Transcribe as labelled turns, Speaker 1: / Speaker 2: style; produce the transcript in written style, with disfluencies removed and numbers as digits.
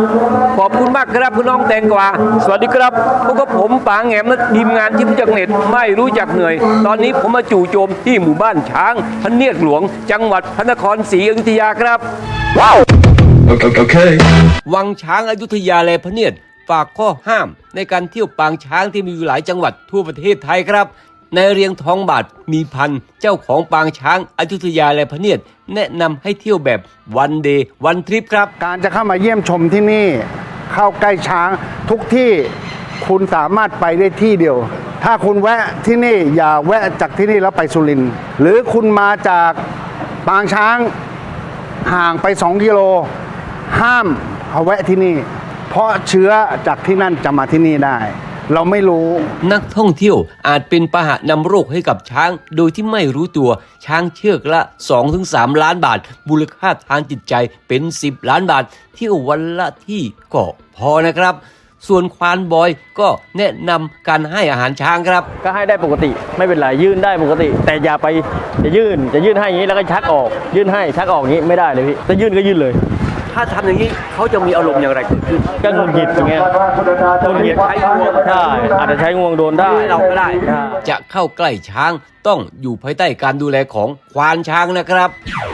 Speaker 1: ขอบคุณมากครับคุณน้องแตงกวาสวัสดีครับพวกกับผมปางแหมและทีมงานที่รู้จักเน็ตไม่รู้จักเหนื่อยตอนนี้ผมมาจู่โจมที่หมู่บ้านช้างพระเนียดหลวงจังหวัดพระนครศรีอยุธยาครับว้าววังช้างอยุธยาและพระเนียดฝากข้อห้ามในการเที่ยวปางช้างที่มีอยู่หลายจังหวัดทั่วประเทศไทยครับในเรียงทองบาทมีพันเจ้าของปางช้างอยุธยาและพระเนียดแนะนำให้เที่ยวแบบวันเดย์วันทริปครับ
Speaker 2: การจะเข้ามาเยี่ยมชมที่นี่เข้าใกล้ช้างทุกที่คุณสามารถไปได้ที่เดียวถ้าคุณแวะที่นี่อย่าแวะจากที่นี่แล้วไปสุรินทร์หรือคุณมาจากปางช้างห่างไป2 กิโลห้ามเอาแวะที่นี่เพราะเชื้อจากที่นั่นจะมาที่นี่ได้เราไม่รู้
Speaker 1: นักท่องเที่ยวอาจเป็นพาหะนำโรคให้กับช้างโดยที่ไม่รู้ตัวช้างเชือกละ 2-3 ล้านบาทมูลค่าทางจิตใจเป็น10 ล้านบาทเที่ยววันละที่ก็พอนะครับส่วนควานบอยก็แนะนำการให้อาหารช้างครับ
Speaker 3: ก็ให้ได้ปกติไม่เป็นไรยื่นได้ปกติแต่อย่าไปจะยื่นให้อย่างนี้แล้วก็ชักออกยื่นให้ชักออกอย่างนี้ไม่ได้เลยพี่ถ้ายื่นก็ยื่นเลย
Speaker 1: ถ้าทำอย่างนี้เขาจะมีอารมณ์อย่างไร
Speaker 3: ก็งุนหงิดอย่างเงี้ยงุนหงิดใช้งวงใช่อาจจะใช้งวงโดนได้
Speaker 1: เราก็ได้จะเข้าใกล้ช้างต้องอยู่ภายใต้การดูแลของควานช้างนะครับ